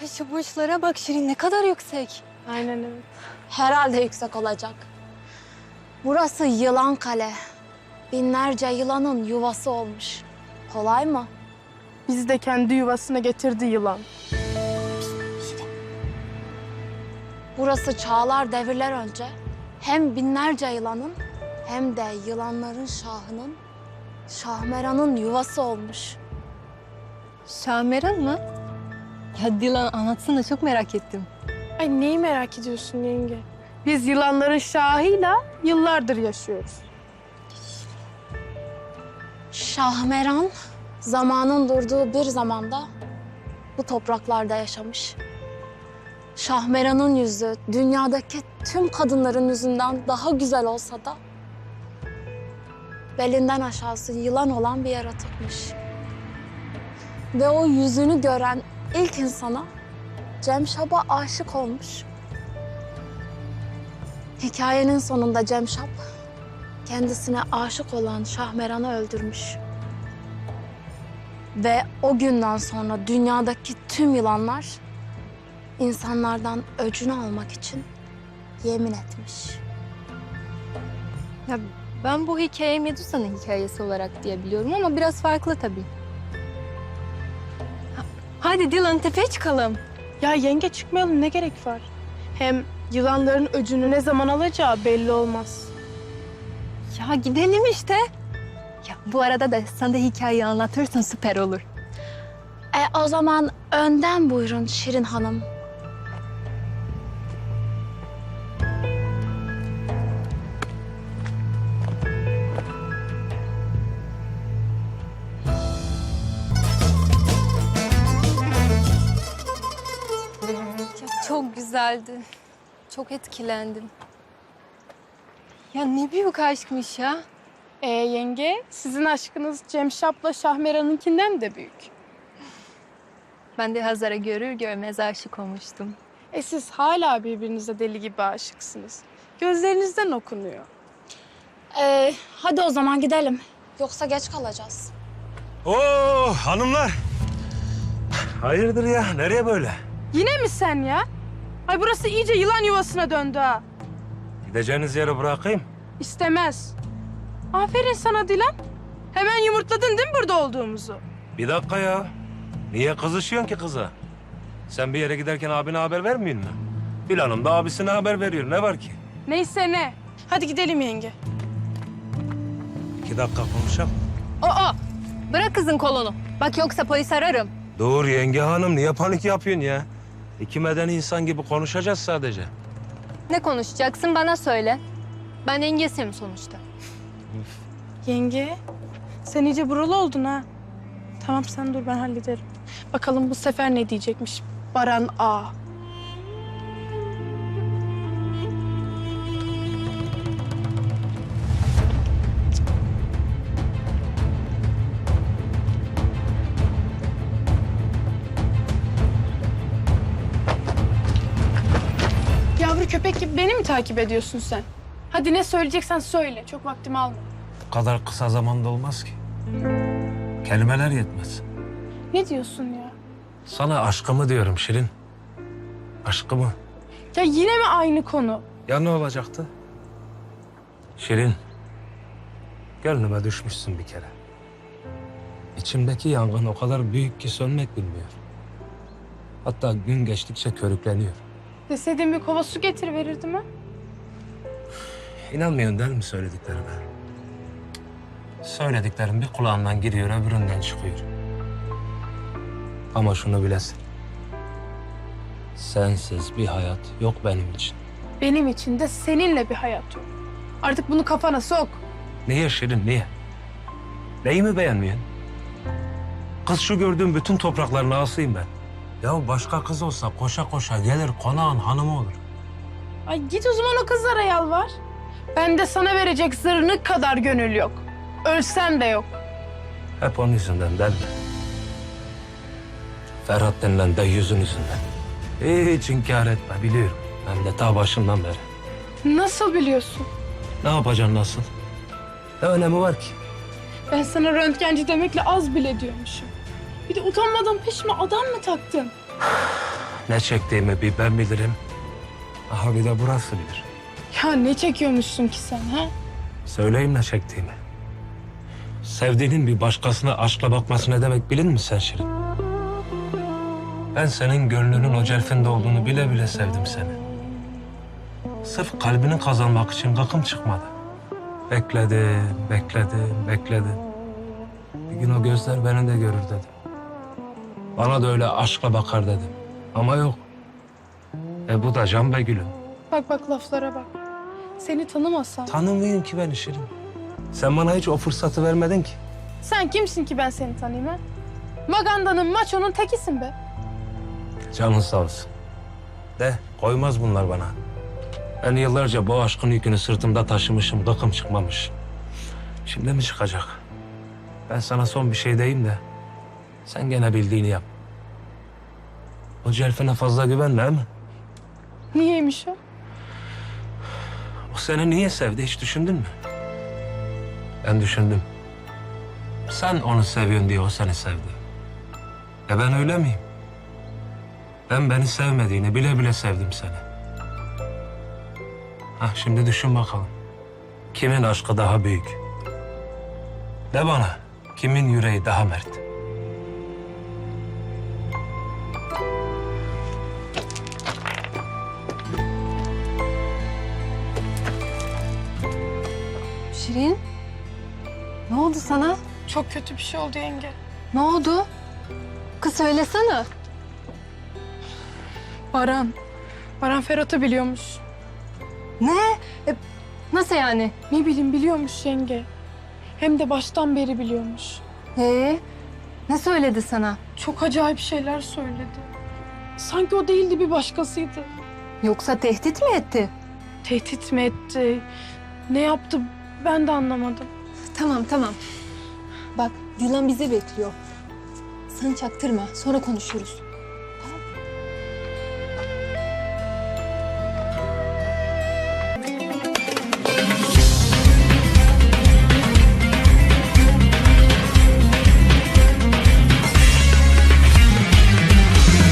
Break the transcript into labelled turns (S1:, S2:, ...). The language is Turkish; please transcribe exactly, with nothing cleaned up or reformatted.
S1: Şu burçlara bak Şirin, ne kadar yüksek.
S2: Aynen evet.
S3: Herhalde yüksek olacak. Burası Yılan Kale. Binlerce yılanın yuvası olmuş. Kolay mı?
S2: Bizi de kendi yuvasına getirdi yılan.
S3: Burası çağlar devirler önce hem binlerce yılanın hem de yılanların şahının, Şahmeran'ın yuvası olmuş.
S1: Şahmeran mı? Ya Dilan anlatsana, çok merak ettim.
S2: Ay neyi merak ediyorsun yenge? Biz yılanların şahıyla yıllardır yaşıyoruz.
S3: Şahmeran zamanın durduğu bir zamanda bu topraklarda yaşamış. Şahmeran'ın yüzü dünyadaki tüm kadınların yüzünden daha güzel olsa da belinden aşağısı yılan olan bir yaratıkmış. Ve o yüzünü gören ilk insana Cemşap'a aşık olmuş. Hikayenin sonunda Cemşap kendisine aşık olan Şahmeran'ı öldürmüş. Ve o günden sonra dünyadaki tüm yılanlar insanlardan öcünü almak için yemin etmiş.
S1: Ya ben bu hikayeyi Medusa'nın hikayesi olarak diye biliyorum ama biraz farklı tabii. Ha- Hadi Dilan, tepeye çıkalım.
S2: Ya yenge çıkmayalım, ne gerek var? Hem yılanların öcünü ne zaman alacağı belli olmaz.
S1: Ya gidelim işte. Ya bu arada da sen de hikayeyi anlatırsan süper olur.
S3: E o zaman önden buyurun Şirin Hanım.
S1: Ya çok güzeldi. Çok etkilendim. Ya ne büyük aşkmış ya.
S2: Ee yenge, sizin aşkınız Cemşap'la Şahmeran'ınkinden de büyük.
S1: Ben de Hazar'ı görür görmez aşık olmuştum.
S2: E siz hala birbirinize deli gibi aşıksınız. Gözlerinizden okunuyor.
S3: E, hadi o zaman gidelim. Yoksa geç kalacağız.
S4: Oo hanımlar. Hayırdır ya? Nereye böyle?
S2: Yine mi sen ya? Ay burası iyice yılan yuvasına döndü ha.
S4: Gideceğiniz yere bırakayım.
S2: İstemez. Aferin sana Dilan. Hemen yumurtladın değil mi burada olduğumuzu?
S4: Bir dakika ya. Niye kızışıyorsun ki kıza? Sen bir yere giderken abine haber vermiyor musun? Gül Hanım da abisine haber veriyor. Ne var ki?
S2: Neyse ne. Hadi gidelim yenge.
S4: İki dakika konuşalım.
S1: Aa! Bırak kızın kolunu. Bak yoksa polis ararım.
S4: Dur yenge hanım. Niye panik yapıyorsun ya? İki medeni insan gibi konuşacağız sadece.
S1: Ne konuşacaksın bana söyle. Ben yengesiyim sonuçta.
S2: Yenge, sen iyice buralı oldun ha. Tamam sen dur, ben hallederim. Bakalım bu sefer ne diyecekmiş Baran A. Yavru köpek gibi beni mi takip ediyorsun sen? Hadi ne söyleyeceksen söyle. Çok vaktimi alma.
S4: Bu kadar kısa zamanda olmaz ki. Kelimeler yetmez.
S2: Ne diyorsun ya?
S4: Sana aşkımı diyorum Şirin. Aşkımı.
S2: Ya yine mi aynı konu?
S4: Ya ne olacaktı? Şirin, gönlüme düşmüşsün bir kere. İçimdeki yangın o kadar büyük ki sönmek bilmiyor. Hatta gün geçtikçe körükleniyor.
S2: Deseydin bir kova su getir verirdim ha.
S4: İnanmıyorsun değil mi söylediklerime? Söylediklerim bir kulağından giriyor, öbüründen çıkıyor. Ama şunu bilesin. Sensiz bir hayat yok benim için.
S2: Benim için de seninle bir hayat yok. Artık bunu kafana sok.
S4: Niye Şirin, niye? Neyi mi beğenmiyorsun? Kız şu gördüğüm bütün toprakların ağasıyım ben. Ya başka kız olsa koşa koşa gelir konağın hanımı olur.
S2: Ay git o zaman o kızlara yalvar. Ben de sana verecek zırnık kadar gönül yok. Ölsem de yok.
S4: Hep onun yüzünden değil mi? Ferhat denilen de yüzün yüzünden. Hiç inkar etme biliyorum. Ben de ta başından beri.
S2: Nasıl biliyorsun?
S4: Ne yapacaksın nasıl? Ne önemi var ki?
S2: Ben sana röntgenci demekle az bile diyormuşum. Bir de utanmadan peşime adam mı taktın?
S4: Ne çektiğimi bir ben bilirim. Aha bir de burası bilir.
S2: Ya ne çekiyormuşsun ki sen ha?
S4: Söyleyeyim ne çektiğimi. Sevdiğinin bir başkasına aşkla bakması ne demek bilin mi sen Şirin? Ben senin gönlünün o celfinde olduğunu bile bile sevdim seni. Sırf kalbini kazanmak için gıkım çıkmadı. Bekledim, bekledim, bekledim. Bir gün o gözler beni de görür dedim. Bana da öyle aşkla bakar dedim. Ama yok. E bu da can be gülüm.
S2: Bak bak laflara bak. Seni tanımasam.
S4: Tanımıyorum ki ben Şirin. Sen bana hiç o fırsatı vermedin ki.
S2: Sen kimsin ki ben seni tanıyayım ha? Maganda'nın maçonun tekisin be.
S4: Canın sağ olsun. De koymaz bunlar bana. Ben yıllarca bu aşkın yükünü sırtımda taşımışım, gıkım çıkmamış. Şimdi mi çıkacak? Ben sana son bir şey diyeyim de sen gene bildiğini yap. O celfine fazla güvenme mi?
S2: Niyeymiş o?
S4: O seni niye sevdi hiç düşündün mü? Ben düşündüm. Sen onu seviyorsun diye o seni sevdi. E ben öyle miyim? Ben beni sevmediğini bile bile sevdim seni. Hah şimdi düşün bakalım. Kimin aşkı daha büyük? De bana, kimin yüreği daha mert?
S1: Şirin, ne oldu sana?
S2: Çok kötü bir şey oldu yenge.
S1: Ne oldu? Kız söylesene.
S2: Baran. Baran Ferhat'ı biliyormuş.
S1: Ne? E, nasıl yani?
S2: Ne bileyim biliyormuş yenge. Hem de baştan beri biliyormuş.
S1: Ee, ne söyledi sana?
S2: Çok acayip şeyler söyledi. Sanki o değildi bir başkasıydı.
S1: Yoksa tehdit mi etti?
S2: Tehdit mi etti? Ne yaptı ben de anlamadım.
S1: Tamam tamam. Bak Dilan bizi bekliyor. Sen çaktırma, sonra konuşuruz.